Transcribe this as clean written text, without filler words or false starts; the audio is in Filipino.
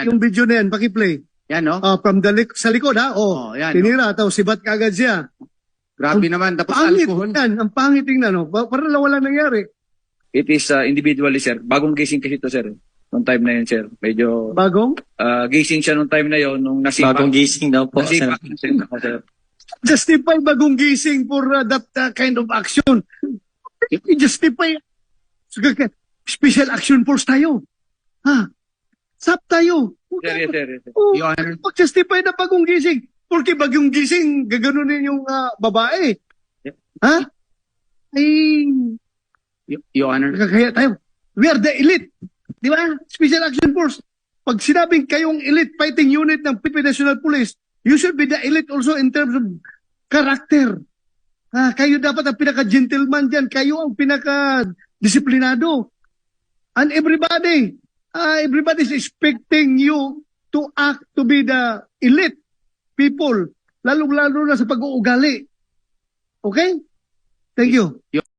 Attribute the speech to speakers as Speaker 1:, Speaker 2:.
Speaker 1: yung video na yan, pakiplay.
Speaker 2: Yan, no?
Speaker 1: From sa likod, ha?
Speaker 2: Yan,
Speaker 1: Tinira, tapos sibat kagad siya.
Speaker 2: Grabe naman. Tapos
Speaker 1: Pangit
Speaker 2: alcohol.
Speaker 1: yan, ang pangit tingnan, no? Para lang wala nangyari.
Speaker 3: It is individually, sir. Bagong gising kasi ito, sir. Nung time na yun, sir. Medyo
Speaker 1: Bagong?
Speaker 3: gising siya nung time na yun, nung nasipa.
Speaker 4: Bagong gising daw po.
Speaker 3: Nasipa, sir.
Speaker 1: Justify bagong gising for that kind of action. Justify. Special action force tayo. Ha? SAP tayo.
Speaker 3: Sir, yes, sir. Yes, sir.
Speaker 2: Your Honor.
Speaker 1: Mag-justify na bagong gising. Porque bagong gising, gaganunin yung babae. Ha? Ay,
Speaker 2: Your Honor.
Speaker 1: nakakaya tayo. We are the elite. Di ba? Special Action Force. Pag sinabing kayong elite fighting unit ng Philippine National Police, you should be the elite also in terms of character. Kayo dapat ang pinaka-gentleman dyan. Kayo ang pinaka-disiplinado. And everybody is expecting you to act to be the elite people. Lalo-lalo na sa pag-uugali. Okay? Thank you.